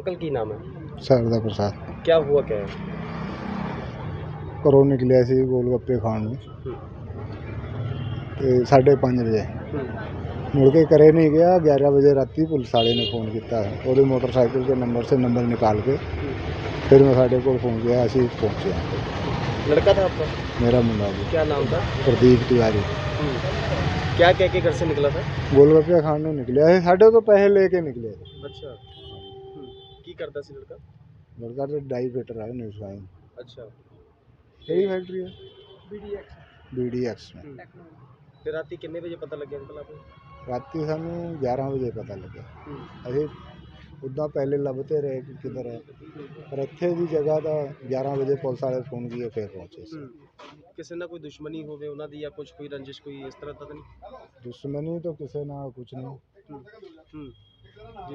Uncle की नाम है? शारदा प्रसाद क्या हुआ क्या है? ਘਰੋਂ ਨਿਕਲਿਆ ਸੀ ਗੋਲ ਗੱਪੇ ਖਾਣ ਨੂੰ ਤੇ 5:30 ਵਜੇ ਮੁੜ ਕੇ ਘਰੇ नहीं गया। 11 बजे राती पुलिस वाले ने फ़ोन किया और मोटरसाइकिल के नंबर से नंबर निकाल के फिर मैं साढ़े को पहुँच गया। असी पहुँचे लड़का था आपका? मेरा मुंडा जी क्या नाम था? प्रदीप तिवारी क्या कह के घर से निकला था? गोलगप्पे खाण ਨੂੰ निकलिया है। साढ़े तो पैसे लेके निकले। अच्छा की करता सी लड़का? लड़का तो डाई फिटर है न्यूज़ वाइन। अच्छा यही फैक्ट्री है BDX में। फिर राती कितने बजे पता लग गया अंकल आपको? राती सानू 11 वजे पता लगे। ਅਸੀਂ ਉੱਦਾਂ ਪਹਿਲੇ ਲੱਭਦੇ ਰਹੇ ਕਿ ਕਿੱਧਰ ਹੈ ਪਰ ਇੱਥੇ ਦੀ ਜਗ੍ਹਾ ਤਾਂ 11 ਵਜੇ ਪੁਲਿਸ ਵਾਲੇ ਫੋਨ ਕੀਏ ਫਿਰ ਪਹੁੰਚੇ ਸੀ। ਕਿਸੇ ਨਾਲ ਕੋਈ ਦੁਸ਼ਮਣੀ ਹੋਵੇ ਉਹਨਾਂ ਦੀ ਜਾਂ ਕੁਝ ਕੋਈ ਰੰਜਿਸ਼ ਕੋਈ ਇਸ ਤਰ੍ਹਾਂ ਤਾਂ ਨਹੀਂ? ਦੁਸ਼ਮਣੀ ਤਾਂ ਕਿਸੇ ਨਾਲ ਕੁਝ ਨਹੀਂ। ਜੀ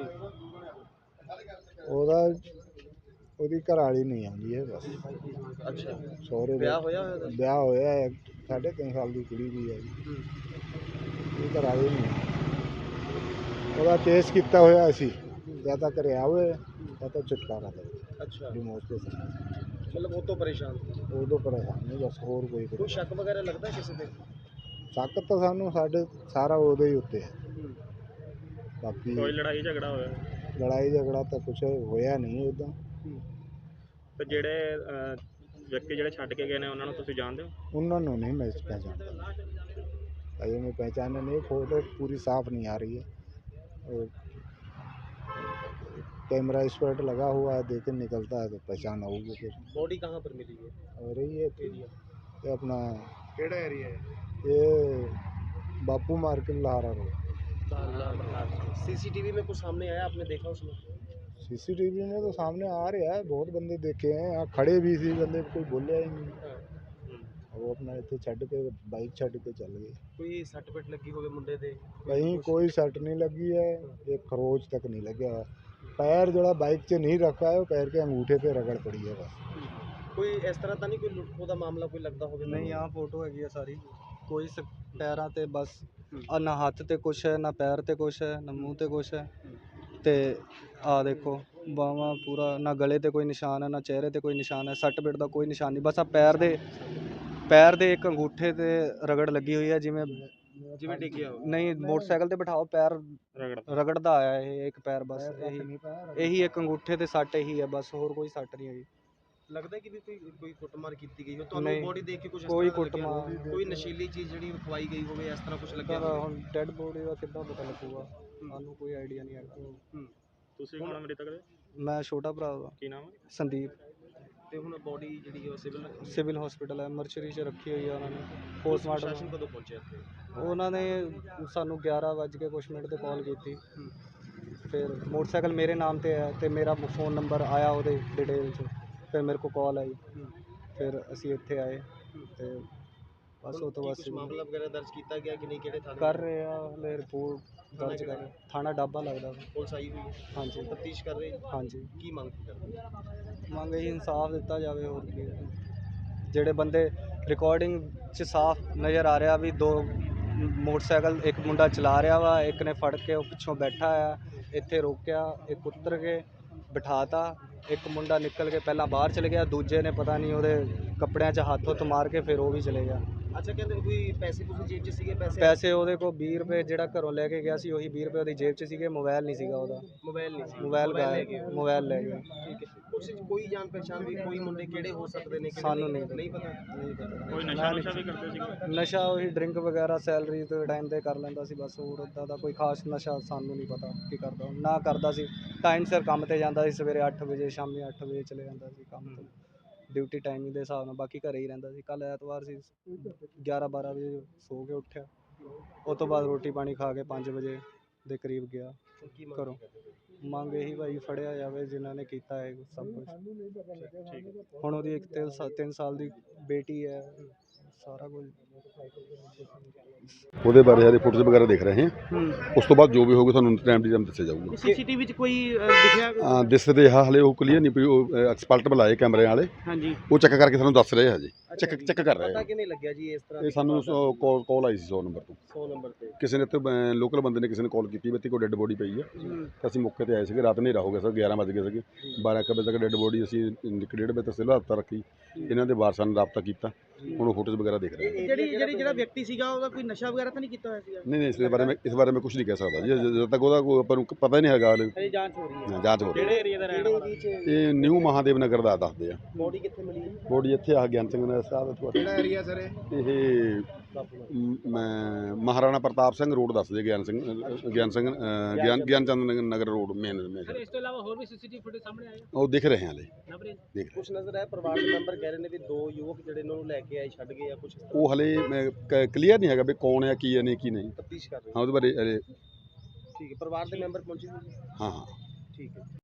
ਉਹਦੀ ਘਰ ਵਾਲੀ ਨਹੀਂ ਆਉਂਦੀ ਹੈ ਬਸ। ਅੱਛਾ ਸਹੁਰੇ ਵਿਆਹ ਹੋਇਆ ਹੈ 3.5 ਸਾਲ ਦੀ ਕੁੜੀ ਵੀ ਹੈ। ਉਹਦੀ ਘਰ ਵਾਲੀ ਨਹੀਂ ਆਉਂਦੀ। ਉਹਦਾ ਕੇਸ ਕੀਤਾ ਹੋਇਆ ਅਸੀਂ ਜਾਂ ਤਾਂ ਘਰੇ ਆਵੇ ਜਾਂ ਤਾਂ ਛੁਟਕਾਰਾ ਦੇਵੇ। ਅੱਛਾ ਡਿਮੋਸ ਦੇ ਸਾਹਮਣੇ मतलब वो तो परेशान थे। ਉਦੋਂ ਪਰੇਸ਼ਾਨ ਨਹੀਂ ਬਸ ਹੋਰ ਕੋਈ कोई शक वगैरह लगता है किसी पे? ਸ਼ੱਕ ਤਾਂ ਸਾਨੂੰ ਸਾਡੇ ਸਾਰਾ ਉਹਦੇ ਹੀ ਉੱਤੇ ਹੈ। ਬਾਕੀ कोई लड़ाई झगड़ा होया? ਲੜਾਈ ਝਗੜਾ ਤਾਂ ਕੁਛ ਹੋਇਆ ਨਹੀਂ ਉੱਦਾਂ। ਤੇ ਜਿਹੜੇ ਵਿਅਕਤੀ ਜਿਹੜੇ ਛੱਡ ਕੇ ਗਏ ਨੇ ਉਹਨਾਂ ਨੂੰ ਤੁਸੀਂ ਜਾਣਦੇ ਹੋ? ਉਹਨਾਂ ਨੂੰ नहीं मैं पहचानता। अजय मैं पहचाने नहीं। फोटो पूरी साफ नहीं आ रही है और कैमरा स्पॉट लगा हुआ है देखे निकलता है तो पहचान होगी फिर। बॉडी कहाँ पर मिली है? और ये अपना केड़ा एरिया है? ये Bapu market Lahara road. CCTV में कुछ सामने आया आपने देखा उसमें? सीसीटीवी में तो सामने आ रहा है बहुत बंदे देखे हैं। यहाँ खड़े भी सी बंदे कोई बोलिया ही नहीं। वो अपना इतने छड़ के बाइक छड़ के चल गए। कोई सट पिट लगी होवे मुंडे दे? कहीं कोई सट नहीं लगी है। एक खरोच तक नहीं लगे। पैर जरा बाइक से नहीं रखा है पैर के अंगूठे पे रगड़ पड़ी है बस। कोई इस तरह ਤਾਂ ਨਹੀਂ ਕੋਈ ਲੁੱਟ ਖੋਹ ਦਾ ਮਾਮਲਾ ਕੋਈ ਲੱਗਦਾ ਹੋਵੇ? ਨਹੀਂ ਆਹ ਫੋਟੋ ਹੈਗੀ ਆ ਸਾਰੀ ਕੋਈ ਪੈਰਾਂ ਤੇ ਬਸ ਨਾ ਹੱਥ ਤੇ ਕੁਛ ਹੈ ਨਾ ਪੈਰ ਤੇ ਕੁਛ ਹੈ ਨਾ ਮੂੰਹ ਤੇ ਕੁਛ ਹੈ ਤੇ ਆ ਦੇਖੋ ਬਾਹਾਂ ਪੂਰਾ ਨਾ ਗਲੇ ਤੇ ਕੋਈ ਨਿਸ਼ਾਨ ਹੈ ਨਾ ਚਿਹਰੇ ਤੇ ਕੋਈ ਨਿਸ਼ਾਨ ਹੈ। ਸੱਟ ਪਿੱਟ ਦਾ ਕੋਈ ਨਿਸ਼ਾਨ ਨਹੀਂ ਬਸ ਆ ਪੈਰ ਦੇ ਇੱਕ ਅੰਗੂਠੇ ਤੇ ਰਗੜ ਲੱਗੀ ਹੋਈ ਹੈ ਜਿਵੇਂ ਡਿੱਗਿਆ ਹੋਵੇ। ਨਹੀਂ ਮੋਟਰਸਾਈਕਲ ਤੇ ਬਿਠਾਓ ਪੈਰ ਰਗੜਦਾ ਆਇਆ ਇਹ ਇੱਕ ਪੈਰ ਬਸ ਇਹੀ ਇੱਕ ਅੰਗੂਠੇ ਤੇ ਸੱਟ ਇਹੀ ਹੈ ਬਸ ਹੋਰ ਕੋਈ ਸੱਟ ਨਹੀਂ ਹੈਗੀ। ਲੱਗਦਾ ਕਿ ਵੀ ਕੋਈ ਕੁੱਟਮਾਰ ਕੀਤੀ ਗਈ ਹੋ ਤੁਹਾਨੂੰ ਬੋਡੀ ਦੇਖ ਕੇ ਕੁਝ ਕੋਈ ਕੁੱਟਮਾਰ ਕੋਈ ਨਸ਼ੀਲੀ ਚੀਜ਼ ਜਿਹੜੀ ਖਵਾਈ ਗਈ ਹੋਵੇ ਇਸ ਤਰ੍ਹਾਂ ਕੁਝ ਲੱਗਿਆ ਹੁਣ ਡੈਡ ਬੋਡੀ ਦਾ ਕਿੱਦਾਂ ਪਤਾ ਲੱਗੂਗਾ ਸਾਨੂੰ ਕੋਈ ਆਈਡੀਆ ਨਹੀਂ ਹੈਗਾ। ਤੁਸੀਂ ਕੌਣ ਮ੍ਰਿਤਕ ਦੇ? ਮੈਂ ਛੋਟਾ ਭਰਾ ਦਾ। ਕੀ ਨਾਮ ਹੈ? ਸੰਦੀਪ। ਤੇ ਹੁਣ ਬੋਡੀ ਜਿਹੜੀ ਉਹ ਸਿਵਲ ਹਸਪੀਟਲ ਹੈ ਮਰਚਰੀ 'ਚ ਰੱਖੀ ਹੋਈ ਹੈ ਉਹਨਾਂ ਨੇ ਪੋਸਟਮਾਰਟਮ। ਪ੍ਰਸ਼ਾਸਨ ਕਦੋਂ ਪਹੁੰਚਿਆ ਇੱਥੇ? ਉਹਨਾਂ ਨੇ ਸਾਨੂੰ 11 ਵੱਜ ਕੇ ਕੁਛ ਮਿੰਟ 'ਤੇ ਕਾਲ ਕੀਤੀ। ਫਿਰ ਮੋਟਰਸਾਈਕਲ ਮੇਰੇ ਨਾਮ 'ਤੇ ਹੈ ਅਤੇ ਮੇਰਾ ਫ਼ੋਨ ਨੰਬਰ ਆਇਆ ਉਹਦੇ ਡਿਟੇਲ 'ਚ ਫਿਰ ਮੇਰੇ ਕੋਲ ਕਾਲ ਆਈ ਫਿਰ ਅਸੀਂ ਇੱਥੇ ਆਏ ਅਤੇ ਬਸ ਉਹ ਤੋਂ ਬਾਅਦ ਮਾਮਲਾ ਵਗੈਰਾ ਦਰਜ ਕੀਤਾ ਗਿਆ ਕਿ ਨਹੀਂ? ਕਿਹੜੇ ਥਾਣੇ ਕਰ ਰਹੇ ਆ ਹਲੇ ਰਿਪੋਰਟ ਦਰਜ ਕਰ ਰਹੇ। ਥਾਣਾ ਡਾਬਾ ਲੱਗਦਾ। ਪੁਲਿਸ ਆਈ ਹੋਈ ਹੈ? ਹਾਂਜੀ ਤਫਤੀਸ਼ ਕਰ ਰਹੀ? ਹਾਂਜੀ। ਕੀ ਮੰਗ ਕਰਦੇ? ਮੰਗ ਇਹੀ ਇਨਸਾਫ ਦਿੱਤਾ ਜਾਵੇ ਹੋਰ ਕੀ ਹੈ। ਜਿਹੜੇ ਬੰਦੇ ਰਿਕਾਰਡਿੰਗ 'ਚ ਸਾਫ਼ ਨਜ਼ਰ ਆ ਰਿਹਾ ਵੀ ਦੋ ਮੋਟਰਸਾਈਕਲ ਇੱਕ ਮੁੰਡਾ ਚਲਾ ਰਿਹਾ ਵਾ ਇੱਕ ਨੇ ਫੜ ਕੇ ਉਹ ਪਿੱਛੋਂ ਬੈਠਾ ਆ ਇੱਥੇ ਰੋਕਿਆ ਇੱਕ ਉਤਰ ਕੇ ਬਿਠਾਤਾ ਇੱਕ ਮੁੰਡਾ ਨਿਕਲ ਕੇ ਪਹਿਲਾਂ ਬਾਹਰ ਚਲੇ ਗਿਆ ਦੂਜੇ ਨੇ ਪਤਾ ਨਹੀਂ ਉਹਦੇ ਕੱਪੜਿਆਂ 'ਚ ਹੱਥ ਮਾਰ ਕੇ ਫਿਰ ਉਹ ਵੀ ਚਲੇ ਗਿਆ। ਅੱਛਾ ਕਹਿੰਦੇ ਕੋਈ ਪੈਸੇ ਜੇਬ 'ਚ ਸੀਗੇ? ਪੈਸੇ ਉਹਦੇ ਕੋਲ 20 ਰੁਪਏ ਜਿਹੜਾ ਘਰੋਂ ਲੈ ਕੇ ਗਿਆ ਸੀ ਉਹੀ 20 ਰੁਪਏ ਉਹਦੀ ਜੇਬ 'ਚ ਸੀਗੇ। ਮੋਬਾਈਲ ਨਹੀਂ ਸੀਗਾ ਉਹਦਾ। ਮੋਬਾਈਲ ਲੈ ਗਏ। ਠੀਕ ਹੈ। ਉਸ 'ਚ ਕੋਈ ਜਾਣ ਪਛਾਣ ਵੀ ਕੋਈ ਮੁੰਡੇ ਕਿਹੜੇ ਹੋ ਸਕਦੇ ਨੇ? ਸਾਨੂੰ ਨਹੀਂ ਪਤਾ। ਕੋਈ ਨਸ਼ਾ ਵੀ ਕਰਦੇ ਸੀ? ਨਸ਼ਾ ਉਹੀ ਡਰਿੰਕ ਵਗੈਰਾ ਸੈਲਰੀ ਤੋਂ ਟਾਈਮ 'ਤੇ ਕਰ ਲੈਂਦਾ ਸੀ ਬਸ ਹੋਰ ਉੱਦਾਂ ਦਾ ਕੋਈ ਖਾਸ ਨਸ਼ਾ ਸਾਨੂੰ ਨਹੀਂ ਪਤਾ ਕੀ ਕਰਦਾ ਨਾ ਕਰਦਾ ਸੀ। ਟਾਈਮ ਸਿਰ ਕੰਮ 'ਤੇ ਜਾਂਦਾ ਸੀ ਸਵੇਰੇ 8 ਵਜੇ ਸ਼ਾਮੀ 8 ਵਜੇ ਚਲੇ ਜਾਂਦਾ ਸੀ ਕੰਮ ਤੋਂ ਡਿਊਟੀ ਟਾਈਮਿੰਗ ਦੇ ਹਿਸਾਬ ਨਾਲ ਬਾਕੀ ਘਰੇ ਹੀ ਰਹਿੰਦਾ ਸੀ। ਕੱਲ੍ਹ ਐਤਵਾਰ ਸੀ 11-12 ਵਜੇ ਸੋ ਕੇ ਉੱਠਿਆ ਉਹ ਤੋਂ ਬਾਅਦ ਰੋਟੀ ਪਾਣੀ ਖਾ ਕੇ 5 ਵਜੇ ਦੇ ਕਰੀਬ ਗਿਆ ਘਰੋਂ। ਮੰਗ ਇਹੀ ਭਾਈ ਫੜਿਆ ਜਾਵੇ ਜਿਨ੍ਹਾਂ ਨੇ ਕੀਤਾ ਹੈ ਸਭ ਕੁਛ। ਹੁਣ ਉਹਦੀ ਇੱਕ 3 ਸਾਲ ਦੀ ਬੇਟੀ ਹੈ ਸਾਰਾ ਕੁਝ ਉਹਦੇ ਬਾਰੇ ਹਜੇ ਫੋਟੋਜ਼ ਵਗੈਰਾ ਦੇਖ ਰਹੇ ਹਾਂ। ਉਸ ਤੋਂ ਬਾਅਦ ਜੋ ਵੀ ਹੋਊਗਾ ਤੁਹਾਨੂੰ ਟਾਈਮ ਟੂ ਟਾਈਮ ਦੱਸਿਆ ਜਾਊਗਾ। ਸੀਸੀਟੀਵੀ 'ਚ ਕੋਈ ਦਿਖਿਆ? ਦਿਸਦੇ ਹਲੇ ਉਹ ਕਲੀਅਰ ਨਹੀਂ ਪਈ, ਉਹ ਐਕਸਪਰਟ ਬੁਲਾਏ ਕੈਮਰੇ ਵਾਲੇ, ਹਾਂਜੀ, ਉਹ ਚੈੱਕ ਕਰਕੇ ਸਾਨੂੰ ਦੱਸ ਰਹੇ ਹਜੇ, ਚੈੱਕ ਕਰ ਰਹੇ ਪਤਾ ਆ। ਕਿਵੇਂ ਲੱਗਿਆ ਜੀ ਇਸ ਤਰ੍ਹਾਂ ਇਹ ਸਾਨੂੰ ਕਾਲ ਆਈ ਸੀ 100 ਨੰਬਰ ਤੋਂ, 100 ਨੰਬਰ ਤੇ ਕਿਸੇ ਨੇ ਇੱਥੇ ਲੋਕਲ ਬੰਦੇ ਨੇ ਕਿਸੇ ਨੇ ਕਾਲ ਕੀਤੀ ਵੀ ਇੱਥੇ ਕੋਈ ਡੈੱਡ ਬੋਡੀ ਪਈ ਆ। ਤਾਂ ਅਸੀਂ ਮੌਕੇ ਤੇ ਆਏ ਸੀਗੇ, ਰਾਤ ਹਨੇਰਾ ਹੋ ਗਿਆ ਸਰ, 11 ਵਜ ਗਏ ਸੀਗੇ। 12 ਵਜੇ ਤੱਕ ਡੈੱਡ ਬੋਡੀ ਅਸੀਂ 1:30 ਵਜੇ ਤੱਕ ਸਿਵਲ ਹਸਪਤਾਲ ਰੱਖੀ। ਇਹਨਾਂ ਦੇ ਵਾਰਸਾਂ ਨਾਲ ਰਾਬਤਾ ਕੀਤਾ, ਹੁਣ ਉਹ ਫੋਟੋਜ਼ ਵਗੈਰਾ ਦੇਖ ਰਹੇ ਆ। ਜਿਹੜਾ ਵਿਅਕਤੀ ਸੀਗਾ ਉਹਦਾ ਕੋਈ ਨਸ਼ਾ ਵਗੈਰਾ ਤਾਂ ਨਹੀਂ ਕੀਤਾ ਹੋਇਆ ਸੀਗਾ? ਨਹੀਂ ਇਸ ਬਾਰੇ ਮੈਂ ਕੁਝ ਨਹੀਂ ਕਹਿ ਸਕਦਾ ਜੀ, ਜਦੋਂ ਤੱਕ ਉਹਦਾ ਕੋਈ ਆਪਾਂ ਨੂੰ ਪਤਾ ਹੀ ਨਹੀਂ ਹੈਗਾ। ਇਹ ਜਾਂਚ ਹੋ ਰਹੀ ਹੈ। ਜਾਂਚ ਹੋ ਰਹੀ ਕਿਹੜੇ ਏਰੀਆ ਦਾ ਰਹਿਣ ਵਾਲਾ? ਇਹ ਨਿਊ ਮਹਾਦੇਵ ਨਗਰ ਦਾ ਦੱਸਦੇ ਆ। ਬੋਡੀ ਕਿੱਥੇ ਮਿਲੀ? ਬੋਡੀ ਇੱਥੇ ਆ ਗਿਆਨ ਸਿੰਘ ਨਗਰ ਸਾਹਿਬ ਤੋਂ। ਕਿਹੜਾ ਏਰੀਆ ਸਰ ਇਹ ਮੈਂ ਮਹਾਰਾਣਾ ਪ੍ਰਤਾਪ ਸਿੰਘ ਰੋਡ ਦੱਸਦੇ, ਗਿਆਨ ਚੰਦ ਨਗਰ ਰੋਡ ਮੇਨ। ਇਸ ਤੋਂ ਇਲਾਵਾ ਹੋਰ ਵੀ ਸੀਸੀਟੀਵੀ ਫੁਟੇਜ ਸਾਹਮਣੇ ਆਏ? ਉਹ ਦਿਖ ਰਹੇ ਹਾਲੇ, ਦੇਖ ਕੁਝ ਨਜ਼ਰ ਆਇਆ? ਪਰਿਵਾਰ ਦੇ ਮੈਂਬਰ ਕਹਿ ਰਹੇ ਨੇ ਵੀ 2 ਯੁਵਕ ਜਿਹੜੇ ਇਹਨਾਂ ਨੂੰ ਲੈ ਕੇ ਆਏ ਛੱਡ ਗਏ ਆ ਕੁਝ, ਉਹ ਹਲੇ ਕਲੀਅਰ ਨਹੀਂ ਹੈਗਾ ਵੀ ਕੌਣ ਹੈ, ਕੀ ਹੈ ਨਹੀਂ ਕੀ ਨਹੀਂ। ਤਫਤੀਸ਼ ਕਰ ਰਹੇ ਹਾਂ ਉਹਦੇ ਬਾਰੇ ਠੀਕ ਹੈ। ਪਰਿਵਾਰ ਦੇ ਮੈਂਬਰ ਪਹੁੰਚੇ? ਹਾਂ ਠੀਕ ਹੈ।